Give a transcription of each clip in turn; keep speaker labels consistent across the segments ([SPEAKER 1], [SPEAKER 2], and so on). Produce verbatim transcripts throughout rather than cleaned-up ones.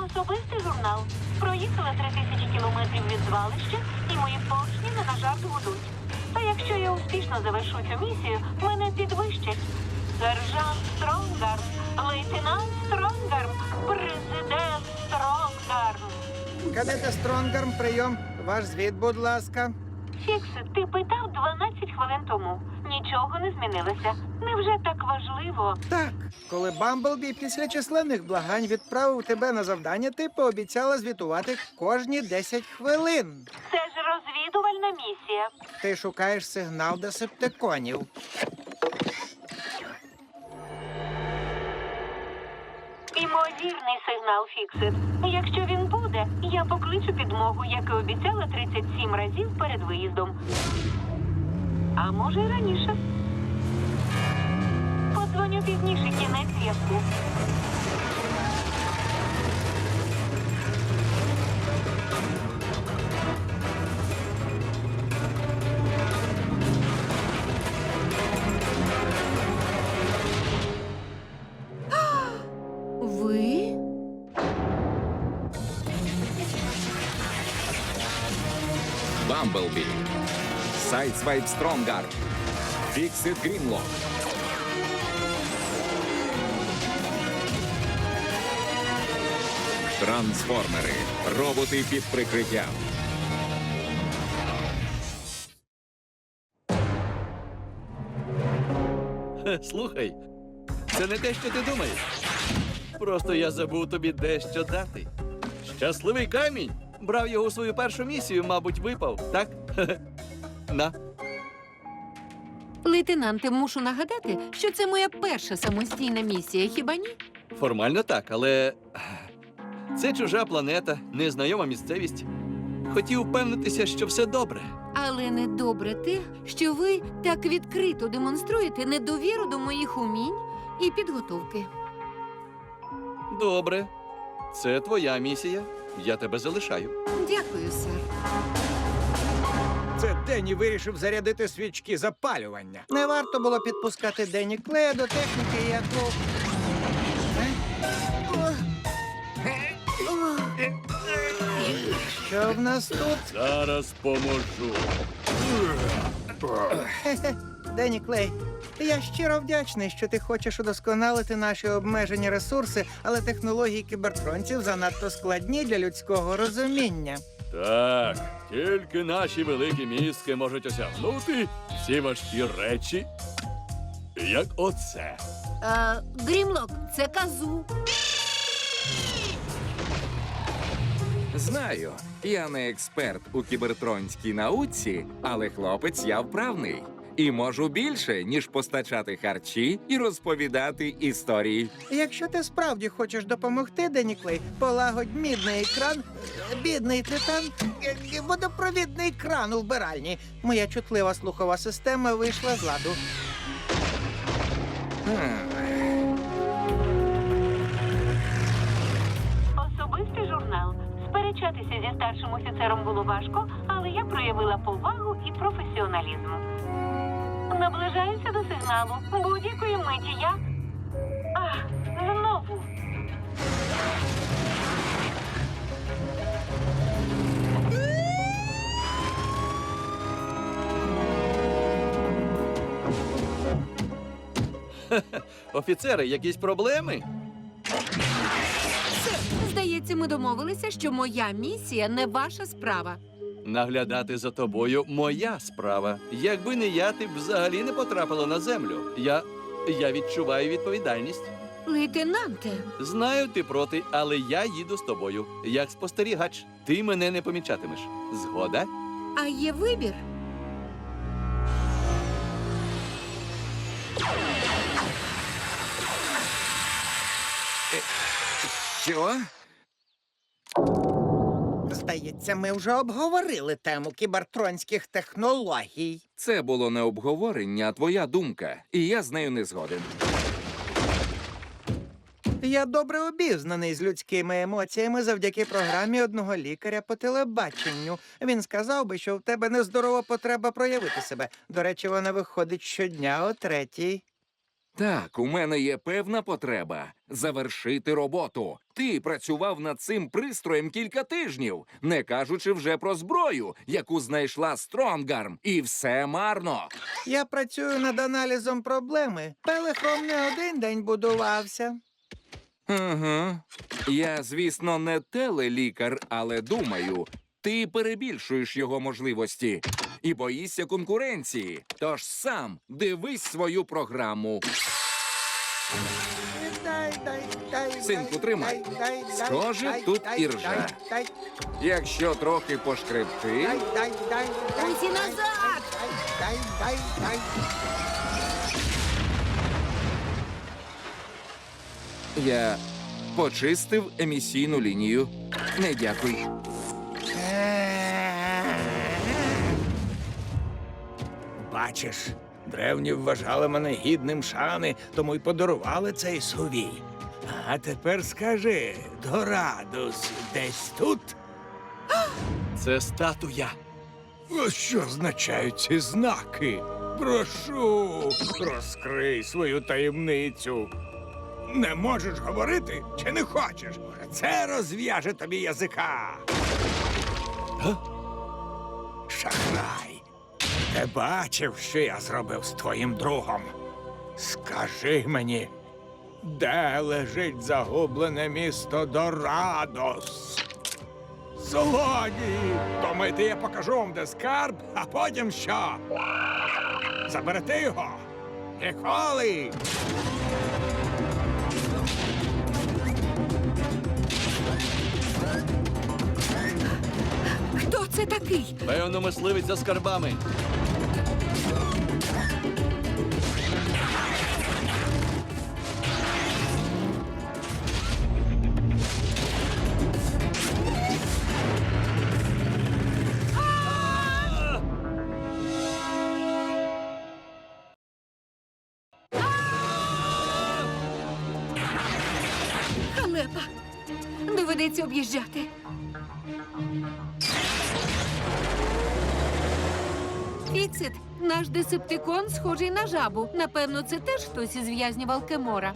[SPEAKER 1] Особистий журнал. Проїхала три тисячі кілометрів від звалища, і мої поршні не на жарт гудуть. Та якщо я успішно завершу цю місію, мене підвищать. Сержант Стронгарм, лейтенант Стронгарм, президент Стронгарм.
[SPEAKER 2] Кадете Стронгарм, прийом. Ваш звіт, будь ласка.
[SPEAKER 1] Фіксит, ти питав дванадцять хвилин тому. Нічого не змінилося. Невже так важливо?
[SPEAKER 2] Так, коли Бамблбі після численних благань відправив тебе на завдання, ти пообіцяла звітувати кожні десять хвилин.
[SPEAKER 1] Це ж розвідувальна місія.
[SPEAKER 2] Ти шукаєш сигнал десептиконів.
[SPEAKER 1] Імовірний сигнал, Фіксит. Якщо він буде, я покличу підмогу, як і обіцяла тридцять сім разів перед виїздом. А може й раніше. Подзвоню пізніше, кінець зв'язку.
[SPEAKER 3] Ви?
[SPEAKER 4] Бамблбі, Сайдсвайп Стронгар, Фіксит Грінлок. Трансформери. Роботи під прикриттям.
[SPEAKER 5] Слухай, це не те, що ти думаєш. Просто я забув тобі дещо дати. Щасливий камінь. Брав його у свою першу місію, мабуть, випав, так? На.
[SPEAKER 3] Лейтенанте, мушу нагадати, що це моя перша самостійна місія, хіба ні?
[SPEAKER 5] Формально так, але це чужа планета, незнайома місцевість. Хотів впевнитися, що все добре.
[SPEAKER 3] Але недобре те, що ви так відкрито демонструєте недовіру до моїх умінь і підготовки.
[SPEAKER 5] Добре. Це твоя місія. Я тебе залишаю.
[SPEAKER 3] Дякую, сер.
[SPEAKER 2] Це Денні вирішив зарядити свічки запалювання. Не варто було підпускати Денні Клея до техніки, яку... Що в нас тут?
[SPEAKER 5] Зараз поможу.
[SPEAKER 2] Хе-хе. Денні Клей, я щиро вдячний, що ти хочеш удосконалити наші обмежені ресурси, але технології кібертронців занадто складні для людського розуміння.
[SPEAKER 5] Так, тільки наші великі мізки можуть осягнути ці важкі речі, як оце.
[SPEAKER 3] Е, Грімлок, це казу.
[SPEAKER 4] Знаю, я не експерт у кібертронській науці, але хлопець я вправний. І можу більше, ніж постачати харчі і розповідати історії.
[SPEAKER 2] Якщо ти справді хочеш допомогти, Денні Клей, полагодь мідний екран, бідний титан, е, водопровідний кран у вбиральні. Моя чутлива слухова система вийшла з ладу.
[SPEAKER 1] Особистий журнал. Сперечатися зі старшим офіцером було важко, але я проявила повагу і професіоналізм. Наближаюся до сигналу. Будь-якої миті я... Ах, знову.
[SPEAKER 5] Офіцери, якісь проблеми?
[SPEAKER 3] Здається, ми домовилися, що моя місія не ваша справа.
[SPEAKER 5] Наглядати за тобою моя справа. Якби не я, ти б взагалі не потрапила на землю. Я... я відчуваю відповідальність.
[SPEAKER 3] Лейтенанте,
[SPEAKER 5] Знаю, ти проти, але я їду з тобою. Як спостерігач, ти мене не помічатимеш. Згода?
[SPEAKER 3] а є вибір?
[SPEAKER 4] Що?
[SPEAKER 2] Здається, ми вже обговорили тему кібертронських технологій.
[SPEAKER 4] Це було не обговорення, а твоя думка. І я з нею не згоден.
[SPEAKER 2] Я добре обізнаний з людськими емоціями завдяки програмі одного лікаря по телебаченню. Він сказав би, що в тебе нездорова потреба проявити себе. До речі, вона виходить щодня о третій.
[SPEAKER 4] Так, у мене є певна потреба завершити роботу. Ти працював над цим пристроєм кілька тижнів, не кажучи вже про зброю, яку знайшла Стронгарм. І все марно.
[SPEAKER 2] Я працюю над аналізом проблеми. Пелехром не один день будувався.
[SPEAKER 4] Угу. Я, звісно, не телелікар, але думаю, ти перебільшуєш його можливості і боїшся конкуренції. Тож сам дивись свою програму.
[SPEAKER 2] Дай, дай, дай,
[SPEAKER 4] Синку,
[SPEAKER 2] дай,
[SPEAKER 4] тримай.
[SPEAKER 2] дай, дай,
[SPEAKER 4] Схоже,
[SPEAKER 2] дай,
[SPEAKER 4] тут
[SPEAKER 2] дай,
[SPEAKER 4] іржа.
[SPEAKER 2] дай, дай,
[SPEAKER 4] Якщо трохи пошкребти,
[SPEAKER 2] дай, дай, дай, дай,
[SPEAKER 3] Усі
[SPEAKER 2] дай,
[SPEAKER 3] назад!
[SPEAKER 2] дай, дай, дай, дай.
[SPEAKER 4] я почистив емісійну лінію. Не дякуй.
[SPEAKER 6] Бачиш, древні вважали мене гідним шани, тому й подарували цей сувій. А тепер скажи, Дорадус десь тут?
[SPEAKER 5] Це статуя.
[SPEAKER 6] А що означають ці знаки? Прошу, розкрий свою таємницю. Не можеш говорити чи не хочеш? Це розв'яже тобі язика. Га? Шахрай. Ти бачив, що я зробив з твоїм другом? Скажи мені, де лежить загублене місто Дорадос? Злодії! Думаєте, я покажу вам, де скарб, а потім що? Заберете його? Ніколи!
[SPEAKER 3] Хто це такий?
[SPEAKER 5] Певно, мисливець за скарбами.
[SPEAKER 3] Халепа. Доведеться об'їжджати. Фіксит, наш десептикон схожий на жабу. Напевно, це теж хтось із в'язнів Алкемора.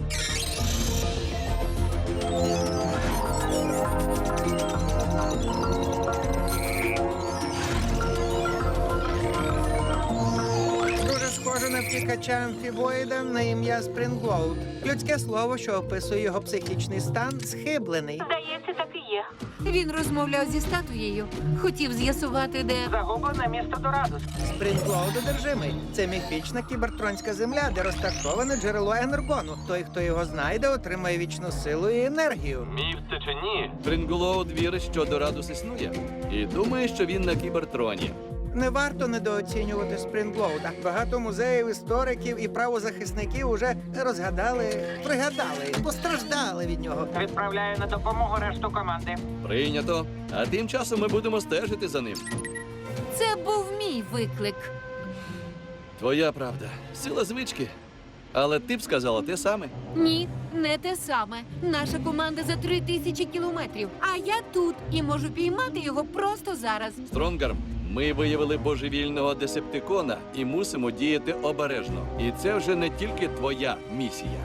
[SPEAKER 2] Дуже схоже на втікача амфібоїда на ім'я Спрінглоуд. Людське слово, що описує його психічний стан, схиблений.
[SPEAKER 1] Здається, так і є.
[SPEAKER 3] Він розмовляв зі статуєю. Хотів з'ясувати, де.
[SPEAKER 1] Загублене місто Дорадус.
[SPEAKER 2] Спрінглоуд одержимий. Це міфічна кібертронська земля, де розташоване джерело енергону. Той, хто його знайде, отримає вічну силу і енергію.
[SPEAKER 7] Міф це чи ні?
[SPEAKER 5] Тринголоуд вірить, що Дорадус існує, і думає, що він на кібертроні.
[SPEAKER 2] Не варто недооцінювати Спрінглоуда. Багато музеїв, істориків і правозахисників уже розгадали, пригадали, постраждали від нього.
[SPEAKER 1] Відправляю на допомогу решту команди.
[SPEAKER 5] Прийнято. А тим часом ми будемо стежити за ним.
[SPEAKER 3] Це був мій виклик.
[SPEAKER 5] Твоя правда. Сила звички. Але ти б сказала те саме.
[SPEAKER 3] Ні, не те саме. Наша команда за три тисячі кілометрів. А я тут і можу піймати його просто зараз.
[SPEAKER 5] Стронгарм, ми виявили божевільного десептикона і мусимо діяти обережно. І це вже не тільки твоя місія.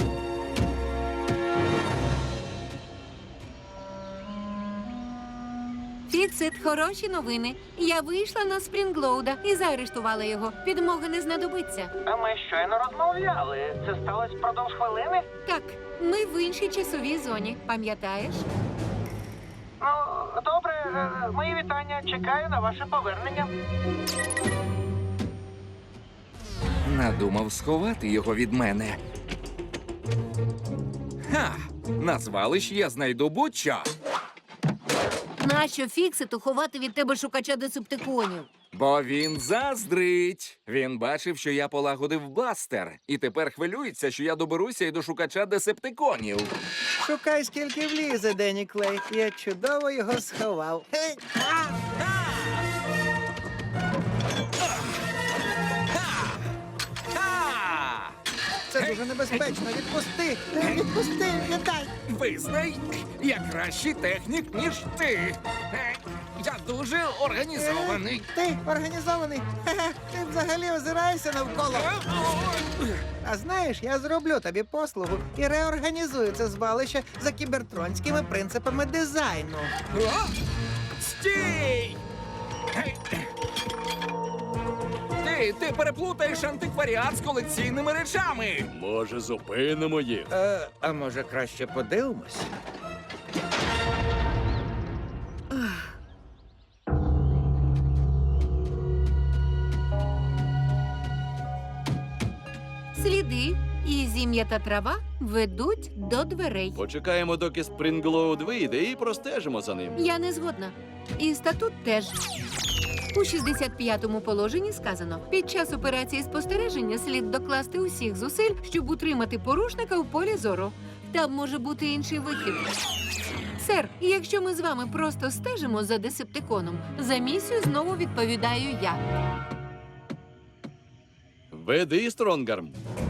[SPEAKER 3] Фіксит, хороші новини. Я вийшла на Спрінглоуда і заарештувала його. Підмоги не знадобиться.
[SPEAKER 1] А ми щойно розмовляли. Це сталося впродовж хвилини?
[SPEAKER 3] Так, ми в іншій часовій зоні, пам'ятаєш?
[SPEAKER 1] Ну, добре, е, мої вітання. Чекаю на ваше повернення.
[SPEAKER 4] Надумав сховати його від мене. Ха! На звалищі я знайду будь-що.
[SPEAKER 3] Нащо Фікситу ховати від тебе шукача десептиконів?
[SPEAKER 4] Бо він заздрить. Він бачив, що я полагодив бластер, і тепер хвилюється, що я доберуся і до шукача десептиконів.
[SPEAKER 2] Шукай, скільки влізе, Денні Клей. Я чудово його сховав. Гей!
[SPEAKER 4] Ха!
[SPEAKER 2] Це дуже небезпечно. Відпусти! Відпусти! Не дай!
[SPEAKER 4] Визнай, я кращий технік, ніж ти. Е, Я дуже організований.
[SPEAKER 2] Ти організований? Хе-хе, ти взагалі озираєшся навколо. А знаєш, я зроблю тобі послугу і реорганізую це звалище за кібертронськими принципами дизайну.
[SPEAKER 4] О! Стій! Ти, ти переплутаєш антикваріат з колекційними речами.
[SPEAKER 5] Може, зупинимо їх?
[SPEAKER 2] Е, а може краще подивимось?
[SPEAKER 3] Сліди і зім'ята трава ведуть до дверей.
[SPEAKER 5] Почекаємо, доки Спрінглоуд вийде, і простежимо за ним.
[SPEAKER 3] Я не згодна. І статут теж. У шістдесят п'ятому положенні сказано: під час операції спостереження слід докласти усіх зусиль, щоб утримати порушника в полі зору. Там може бути інший вихід. Сер, якщо ми з вами просто стежимо за десептиконом, за місію знову відповідаю я.
[SPEAKER 5] Веди, Стронгарм.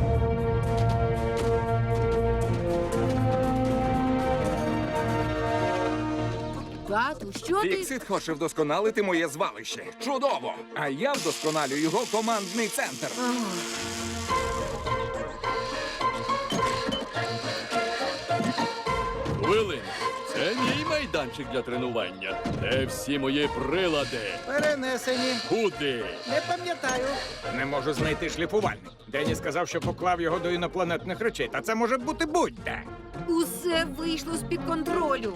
[SPEAKER 3] Тату, що ти?
[SPEAKER 4] Фіксит хоче вдосконалити моє звалище. Чудово! А я вдосконалю його командний центр.
[SPEAKER 5] Хвилинку. Це мій майданчик для тренування. Де всі мої прилади?
[SPEAKER 2] Перенесені.
[SPEAKER 5] Куди?
[SPEAKER 2] Не пам'ятаю.
[SPEAKER 6] Не можу знайти шліфувальник. Дені сказав, що поклав його до інопланетних речей, та це може бути будь-де.
[SPEAKER 3] Усе вийшло з-під контролю.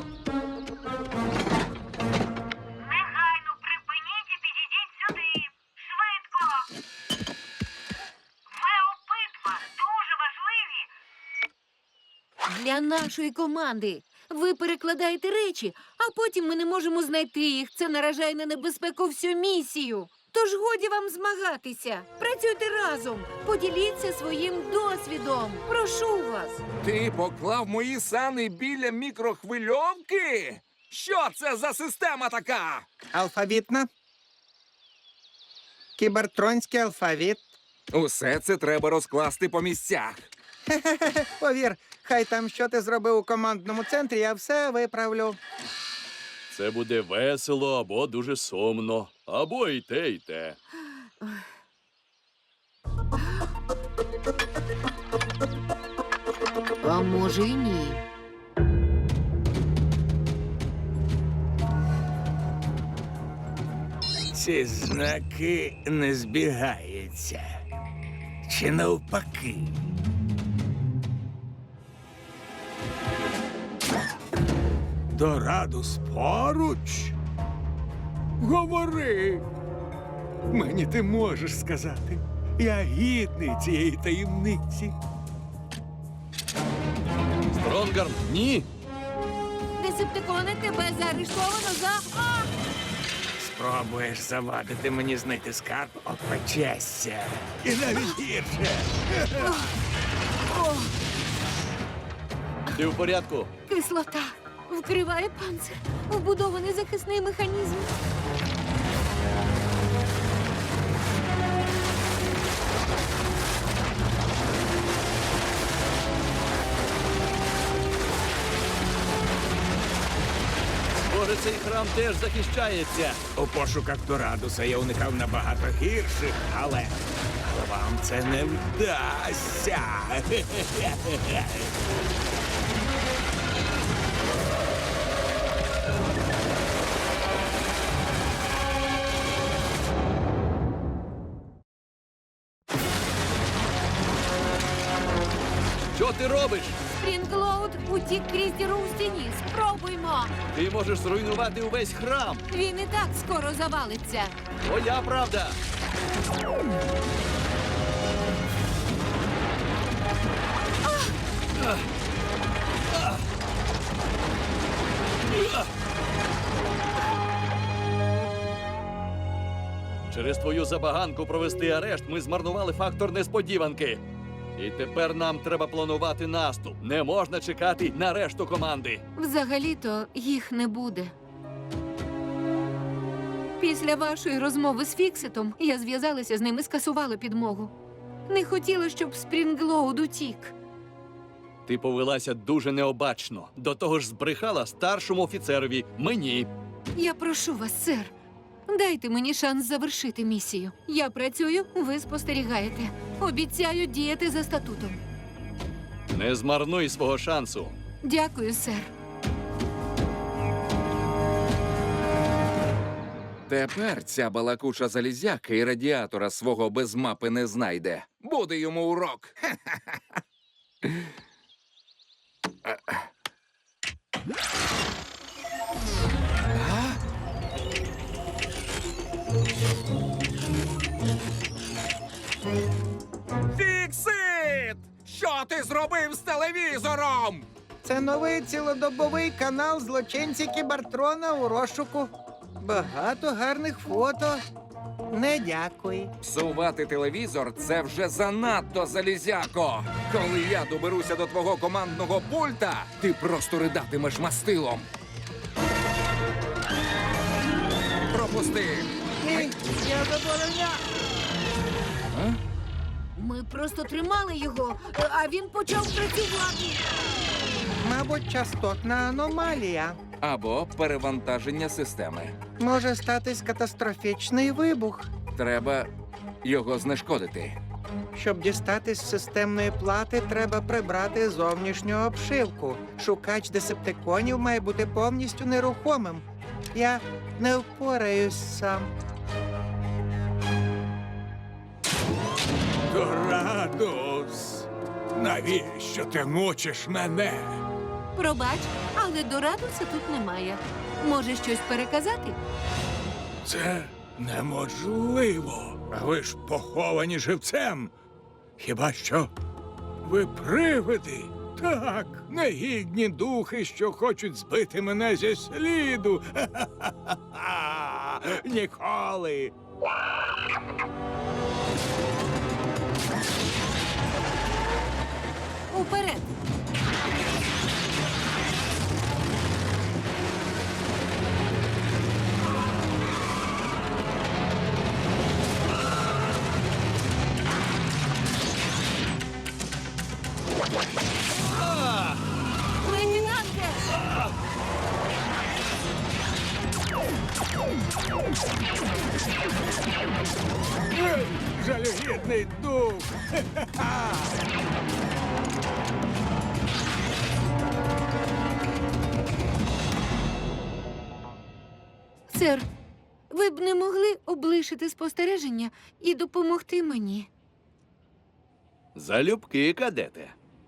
[SPEAKER 1] Негайно припиніть і підійдіть сюди. Швидко. Ви обидва дуже важливі.
[SPEAKER 3] Для нашої команди. Ви перекладаєте речі, а потім ми не можемо знайти їх. Це наражає на небезпеку всю місію. Тож годі вам змагатися. Працюйте разом. Поділіться своїм досвідом. Прошу вас.
[SPEAKER 4] Ти поклав мої сани біля мікрохвильовки? Що це за система така?
[SPEAKER 2] Алфавітна. Кібертронський алфавіт.
[SPEAKER 4] Усе це треба розкласти по місцях.
[SPEAKER 2] Хе-хе-хе, повір, хай там що ти зробив у командному центрі, я все виправлю.
[SPEAKER 5] Це буде весело або дуже сумно. Або і те, і те.
[SPEAKER 3] А може й ні.
[SPEAKER 6] Ці знаки не збігаються. Чи навпаки? Дорадус поруч? Говори. Мені ти можеш сказати. Я гідний цієї таємниці.
[SPEAKER 5] Стронгарм, ні.
[SPEAKER 3] Десептикони, тебе заарештовано за... А!
[SPEAKER 6] Спробуєш завадити мені знайти скарб, опечешся. І навіть гірше.
[SPEAKER 5] Ти в порядку?
[SPEAKER 3] Кислота. Вкриває панцир. Вбудований захисний механізм.
[SPEAKER 5] Може, цей храм теж захищається.
[SPEAKER 6] У пошуках Дорадуса я уникав набагато гірших, але але вам це не вдасться.
[SPEAKER 5] Що ти робиш?
[SPEAKER 3] Спрінглоуд утік крізь діру в стіні. Спробуймо.
[SPEAKER 5] Ти можеш зруйнувати увесь храм.
[SPEAKER 3] Він і так скоро завалиться.
[SPEAKER 5] Твоя правда. Через твою забаганку провести арешт ми змарнували фактор несподіванки. І тепер нам треба планувати наступ. Не можна чекати на решту команди.
[SPEAKER 3] Взагалі-то їх не буде. Після вашої розмови з Фікситом я зв'язалася з ним і скасувала підмогу. Не хотіла, щоб Спрінглоуд утік.
[SPEAKER 5] Ти повелася дуже необачно. До того ж збрехала старшому офіцерові, мені.
[SPEAKER 3] Я прошу вас, сер. Дайте мені шанс завершити місію. Я працюю, ви спостерігаєте. Обіцяю діяти за статутом.
[SPEAKER 5] Не змарнуй свого шансу.
[SPEAKER 3] Дякую, сер.
[SPEAKER 4] Тепер ця балакуча залізяка і радіатора свого без мапи не знайде. Буде йому урок. Фіксит! Що ти зробив з телевізором?
[SPEAKER 2] Це новий цілодобовий канал злочинці Кібертрона у розшуку. Багато гарних фото. Не дякую.
[SPEAKER 4] Псувати телевізор – це вже занадто, залізяко. Коли я доберуся до твого командного пульта, ти просто ридатимеш мастилом. Пропусти.
[SPEAKER 2] Ні, я забороняю.
[SPEAKER 3] Ми просто тримали його, а він почав працювати.
[SPEAKER 2] Мабуть, частотна аномалія.
[SPEAKER 4] Або перевантаження системи.
[SPEAKER 2] Може статись катастрофічний вибух.
[SPEAKER 4] Треба його знешкодити.
[SPEAKER 2] Щоб дістатись з системної плати, треба прибрати зовнішню обшивку. Шукач десептиконів має бути повністю нерухомим. Я не впораюсь сам.
[SPEAKER 6] Дорадус! Навіщо ти мучиш мене?
[SPEAKER 3] Пробач, але Дорадуса тут немає. Може, щось переказати?
[SPEAKER 6] Це неможливо. А ви ж поховані живцем. Хіба що ви привиди? Так, негідні духи, що хочуть збити мене зі сліду. Ха-ха-ха-ха! Ніколи.
[SPEAKER 3] Уперед! Лейтенанте!
[SPEAKER 6] Ей, жалюгідний дух.
[SPEAKER 3] Сер, ви б не могли облишити спостереження і допомогти мені?
[SPEAKER 5] Залюбки, кадете.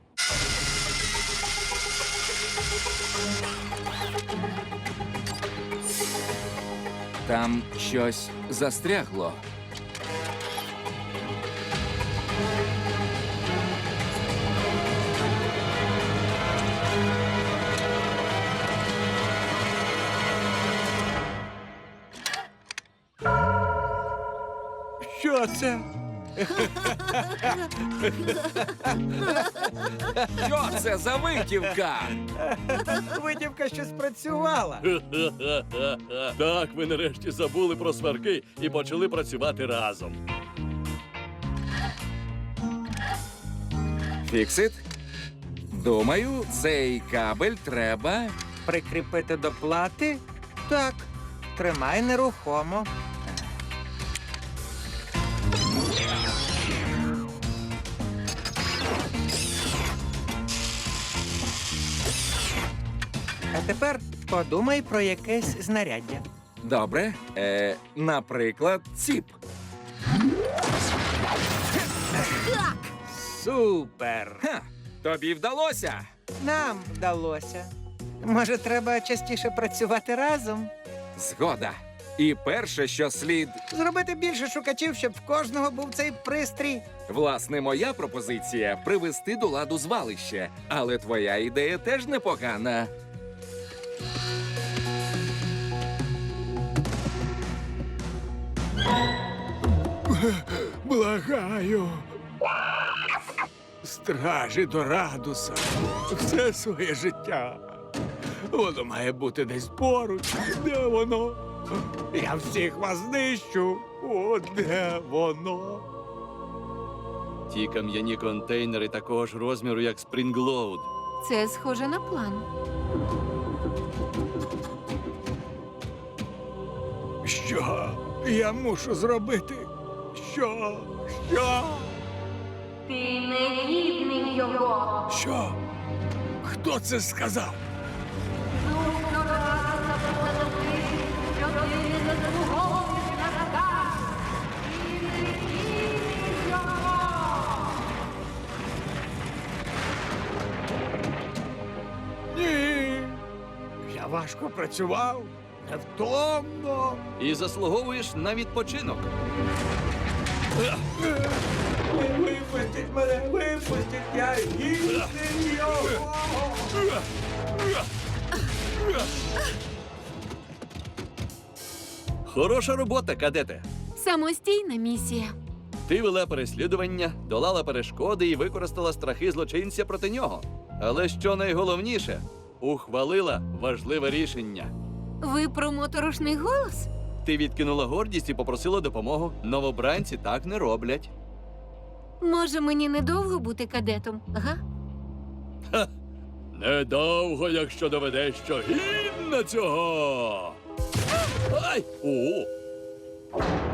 [SPEAKER 4] Там щось застрягло.
[SPEAKER 6] Що це?
[SPEAKER 4] Що це за витівка?
[SPEAKER 2] Витівка що спрацювала.
[SPEAKER 5] Так, ви нарешті забули про сварки і почали працювати разом.
[SPEAKER 4] Фіксит? Думаю, цей кабель треба.
[SPEAKER 2] Прикріпити до плати? Так. Тримай нерухомо. А тепер подумай про якесь знаряддя.
[SPEAKER 4] Добре. Е, наприклад, ціп.
[SPEAKER 2] Супер!
[SPEAKER 4] Ха, тобі вдалося.
[SPEAKER 2] Нам вдалося. Може, треба частіше працювати разом?
[SPEAKER 4] Згода. І перше, що слід.
[SPEAKER 2] Зробити більше шукачів, щоб в кожного був цей пристрій.
[SPEAKER 4] Власне, моя пропозиція привести до ладу звалище. Але твоя ідея теж непогана.
[SPEAKER 6] Благаю. Стражі Дорадуса. Все своє життя. Воно має бути десь поруч. Де воно? Я всіх вас знищу. О, де воно?
[SPEAKER 5] Ті кам'яні контейнери такого ж розміру, як Спрінглоуд.
[SPEAKER 3] Це схоже на план.
[SPEAKER 6] Що я мушу зробити? Що? Що?
[SPEAKER 1] Ти не гідний його.
[SPEAKER 6] Що? Хто це сказав?
[SPEAKER 1] Що ти не заслуговуєш на так. Ти не гідний його.
[SPEAKER 6] Ні. Я важко працював, невтомно.
[SPEAKER 5] І заслуговуєш на відпочинок.
[SPEAKER 6] Випустіть мене, випустіть, я гідний його.
[SPEAKER 5] Хороша робота, кадете.
[SPEAKER 3] Самостійна місія.
[SPEAKER 5] Ти вела переслідування, долала перешкоди і використала страхи злочинця проти нього. Але що найголовніше, ухвалила важливе рішення.
[SPEAKER 3] Ви про моторошний голос?
[SPEAKER 5] Ти відкинула гордість і попросила допомогу. Новобранці так не роблять.
[SPEAKER 3] Може, мені недовго бути кадетом, га?
[SPEAKER 5] Недовго, якщо доведеш, що гідна цього. Ай! О!